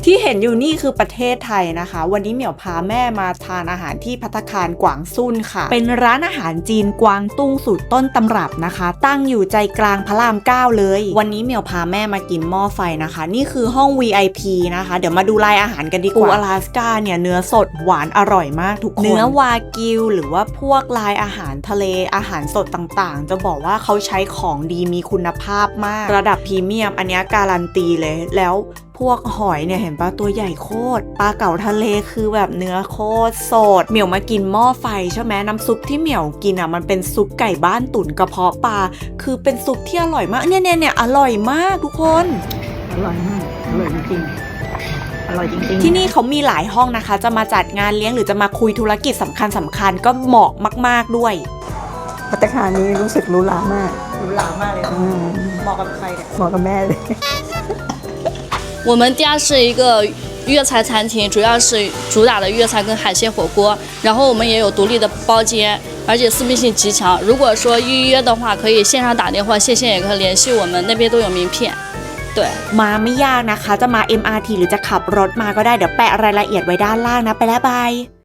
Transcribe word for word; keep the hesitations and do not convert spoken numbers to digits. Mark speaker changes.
Speaker 1: ที่เห็นอยู่นี่คือประเทศไทยนะคะวันนี้เหมียวพาแม่มาทานอาหารที่ภัตตาคารกวางซุนค่ะเป็นร้านอาหารจีนกวางตุ้งสูตรต้นตำรับนะคะตั้งอยู่ใจกลางพระรามเก้าเลยวันนี้เหมียวพาแม่มากินหม้อไฟนะคะนี่คือห้อง วี ไอ พี นะคะเดี๋ยวมาดูรายอาหารกันดีกว่าปูอลาสก้าเนี่ยเนื้อสดหวานอร่อยมากทุกคนเนื้อวากิวหรือว่าพวกลายอาหารทะเลอาหารสดต่างๆจะบอกว่าเขาใช้ของดีมีคุณภาพมากระดับพรีเมียมอันนี้การันตีเลยแล้วพวกหอยเนี่ยเห็นปะตัวใหญ่โคตรปลาเก๋าทะเลคือแบบเนื้อโคตรสดเหมียวมากินหม้อไฟใช่ไหมน้ำซุปที่เหมียวกินอ่ะมันเป็นซุปไก่บ้านตุ๋นกระเพาะปลาคือเป็นซุปที่อร่อยมากเนี่ยเนี่ยเนี่ยอร่อยมากทุกคน
Speaker 2: อร่อยมากอร่อยจริงๆอร่อยจริงๆ
Speaker 1: ที่นี่เขามีหลายห้องนะคะจะมาจัดงานเลี้ยงหรือจะมาคุยธุรกิจสำคัญสำคัญก็เหมาะมากๆด้วย
Speaker 2: ภัตตาคารนี้รู้สึกหรูหรามาก
Speaker 1: หรูหรามากเลยเหมาะกับใครเนี่ย
Speaker 2: เหมาะกับแม่เลย
Speaker 3: 我们家是一个粤菜餐厅，主要是主打的粤菜跟海鲜火锅，然后我们也有独立的包间，而且私密性极强。如果说预约的话，可以线上打电话，线下也可以联系我们，那边都有名片。对，
Speaker 1: มาไม่ยากนะคะจะมา เอ็ม อาร์ ที หรือจะขับรถมาก็ได้เดี๋ยวแปะรายละเอียดไว้ด้านล่างนะไปแล้วบาย